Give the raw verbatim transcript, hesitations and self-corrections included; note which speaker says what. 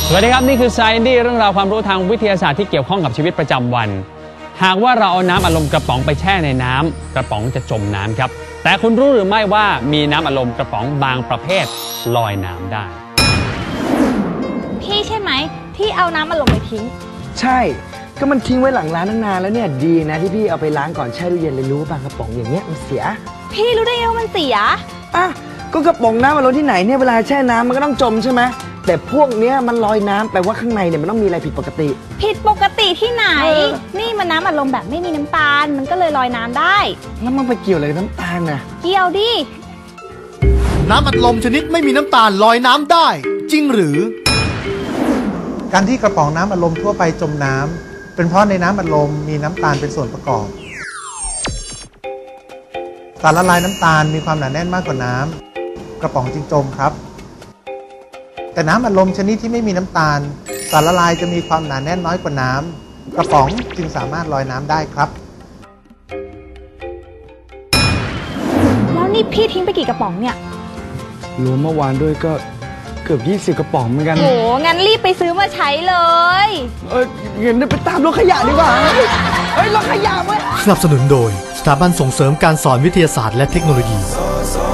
Speaker 1: สวัสดีครับนี่คือ Science เรื่องราวความรู้ทางวิทยาศาสตร์ที่เกี่ยวข้องกับชีวิตประจำวันหากว่าเราเอาน้ำอัดลมกระป๋องไปแช่ในน้ำกระป๋องจะจมน้ำครับแต่คุณรู้หรือไม่ว่ามีน้ำอัดลมกระป๋องบางประเภทลอยน้ำได้
Speaker 2: พี่ใช่ไหมที่เอาน้ำอัดลมไปทิ้ง
Speaker 3: ใช่ก็มันทิ้งไว้หลังร้านตั้งนานแล้วเนี่ยดีนะที่พี่เอาไปล้างก่อนแช่ตู้เย็นเลยรู้บางกระป๋องอย่างเงี้ยมันเสีย
Speaker 2: พี่รู้ได้ไงว่ามันเสีย
Speaker 3: อ่ะก็กระป๋องน้ำอัดลมที่ไหนเนี่ยเวลาแช่น้ำมันก็ต้องจมใช่ไหมแต่พวกเนี้ยมันลอยน้ำแปลว่าข้างในเนี่ยมันต้องมีอะไรผิดปกติ
Speaker 2: ผิดปกติที่ไหนนี่มันน้ำอัดลมแบบไม่มีน้ำตาลมันก็เลยลอยน้ำได้
Speaker 3: แล้วมันไปเกี่ยวอะไรกับน้ำตาลน่ะ
Speaker 2: เกี่ยวดิ
Speaker 4: น้ำอัดลมชนิดไม่มีน้ำตาลลอยน้ำได้จริงหรือ
Speaker 5: การที่กระป๋องน้ำอัดลมทั่วไปจมน้ำเป็นเพราะในน้ำอัดลมมีน้ำตาลเป็นส่วนประกอบสารละลายน้ำตาลมีความหนาแน่นมากกว่าน้ำกระป๋องจึงจมครับแต่น้ำอัดลมชนิดที่ไม่มีน้ำตาลสารละลายจะมีความหนาแน่นน้อยกว่าน้ำกระป๋องจึงสามารถลอยน้ำได้ครับ
Speaker 2: แล้วนี่พี่ทิ้งไปกี่กระป๋องเนี่ย
Speaker 3: รวมเมื่อวานด้วยก็เกือบยี่สิบกระป๋องเหมือนกัน
Speaker 2: โหงั้นรีบไปซื้อมาใช้เลย
Speaker 3: เออเงินไปตามรถขยะดีกว่าเฮ้ยรถขยะเว้ย
Speaker 4: สนับสนุนโดยสถาบันส่งเสริมการสอนวิทยาศาสตร์และเทคโนโลยี